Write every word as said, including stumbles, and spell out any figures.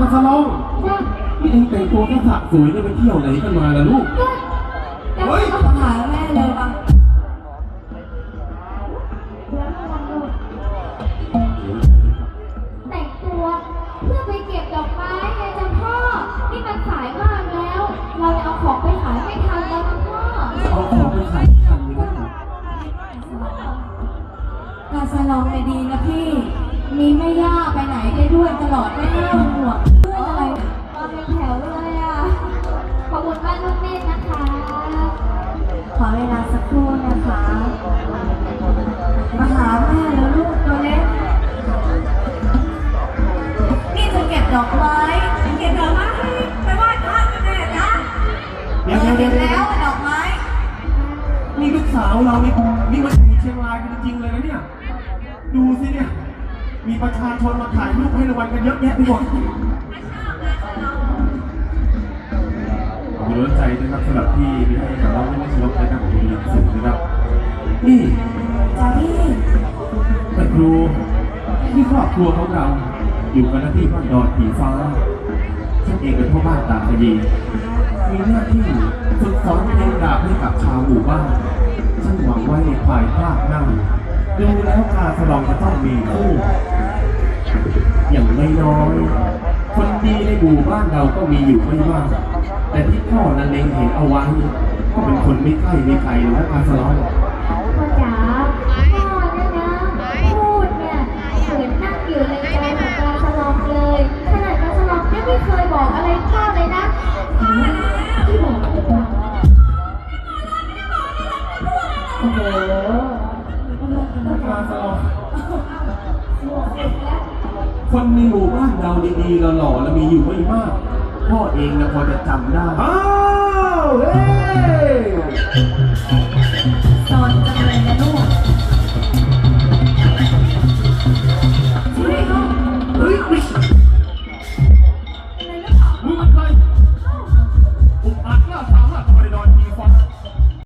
สลองนี่เองแต่งตัวแค่สะสวยเนี่ยไปเที่ยวไหนกันมาล่ะลูกเฮ้ยมาหาแม่เลยป่ะแต่งตัวเพื่อไปเก็บดอกไม้ไงจ้ะพ่อนี่มันสายมากแล้วเราเอาของไปขายไม่ทันแล้วนะพ่อเอาของไปขายทันเลยนะการสลองไม่ดีนะพี่มีแม่ย่าไปไหนได้ด้วยตลอดไม่น่าห่วงเพื่อนอะไรมาเป็นแถวเลยอ่ะขอบคุณบ้านลูกเมฆนะคะขอเวลาสักครู่นะคะมาหาแม่แล้วลูกตัวเล็กนี่จะเก็บดอกไม้เก็บดอกไม้ไปไหว้พระกันแน่นะเดี๋ยวเก็บแล้วดอกไม้นี่ลูกสาวเรานี่นี่มาอยู่เชียงรายกันจริงๆเลยนะเนี่ยดูสิเนี่ยมีประชาชนมาถ่ายรูปให้รางวัลกันเยอะแยะไปหมดขอบคุณใจนะครับสำหรับที่มีให้กับเราไม่ไม่ใช่ลบนะครับผมมีสิ่งนะครับนี่จ้าพี่แต่ครูที่ครอบครัวของเราอยู่กันที่บ้านดอนผีฟ้าฉันเองเป็นพ่อบ้านตาขยีมีหน้าที่ฝึกสอนเพลงดาบให้กับชาวหมู่บ้านฉันหวังไว้ในภายภาคหน้าดูแล้วการสลองจะต้องมีคู่อย่างไม่น้อยคนดีในหมู่บ้านเราก็มีอยู่ไม่มากแต่ที่พ่อนั้นเล็งเห็นเอาไว้ก็เป็นคนไม่ใกล้ไม่ไกลและการสลองพ่อจ๋าพ่อเนี่ยนะพูดเนี่ยเหมือนนั่งอยู่ในใจของการสลองเลยขนาดการสลองเนี่ยไม่เคยบอกอะไรพ่อเลยนะที่บอกโอ้โหการสลองคนในหมู่บ้านเราดีๆหล่อๆแล้วมีอยู่ไม่มากพ่อเองนะพอจะจำได้อ้าวเฮ้สอนจังเลยนะลูก